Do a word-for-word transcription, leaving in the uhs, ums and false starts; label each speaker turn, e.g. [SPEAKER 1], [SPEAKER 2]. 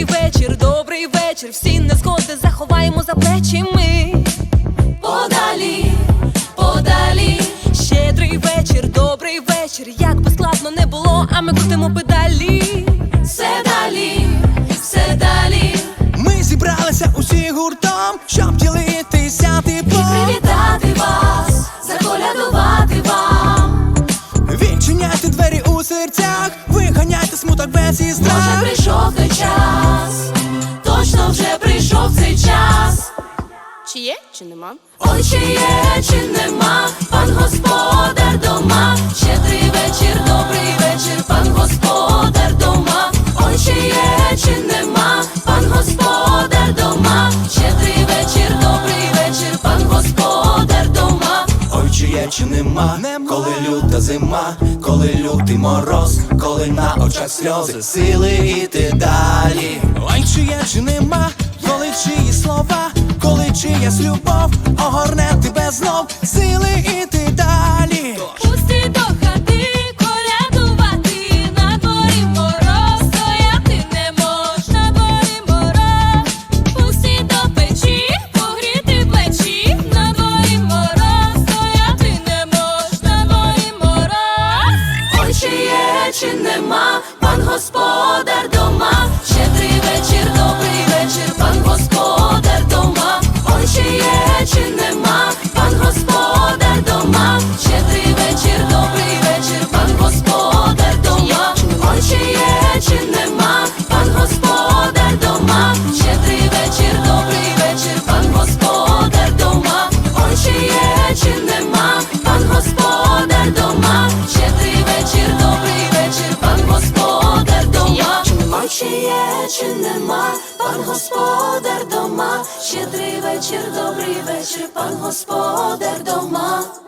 [SPEAKER 1] Щедрий вечір, добрий вечір, всі незгоди заховаємо за плечі ми. Подалі, подалі. Щедрий вечір, добрий вечір, як би складно не було, а ми крутимо педалі. Все далі, все далі.
[SPEAKER 2] Ми зібралися усі гуртом, щоб ділитися теплом
[SPEAKER 1] І привітати вас, заколядувати вам.
[SPEAKER 2] Відчиняйте двері у серцях, виганяйте смуток без і страх.
[SPEAKER 1] Може прийшов той час, точно вже прийшов цей час.
[SPEAKER 3] Чи є, чи нема?
[SPEAKER 1] Ой, чи є, чи нема, пан господар дома. Щедрий вечір, добрий вечір, пан господар дома. Ой, чи є, чи нема, пан господар дома. Щедрий вечір, добрий вечір, пан господар дома.
[SPEAKER 2] Ой, чи є, чи нема, коли люта зима, коли лютий мороз, коли на очах сльози, сили іти далі. Ой, чи є, чи нема, коли чиї слова, коли чиясь любов огорне тебе знов, сили іти далі.
[SPEAKER 1] Пусти до хати, колядувати, на дворі мороз, стояти не можна, на дворі мороз. Пусти до печі, погріти плечі, на дворі мороз, стояти не можна, на дворі мороз. Ой, чи є, чи нема, пан господар дома. Щедрий вечір, добрий вечір, пан господар дома. Ой, чи є, чи нема, пан господар дома. Щедрий вечір, добрий вечір, пан господар дома. Ой, чи є, чи нема, пан господар дома. Щедрий вечір, добрий вечір, пан господар дома. Ой, чи є, чи нема, пан господар дома. Щедрий вечір, добрий вечір, пан господар дома. Ой, чи є, чи нема, пан господар дома. Щедрий вечір, добрий вечір, пан господар дома.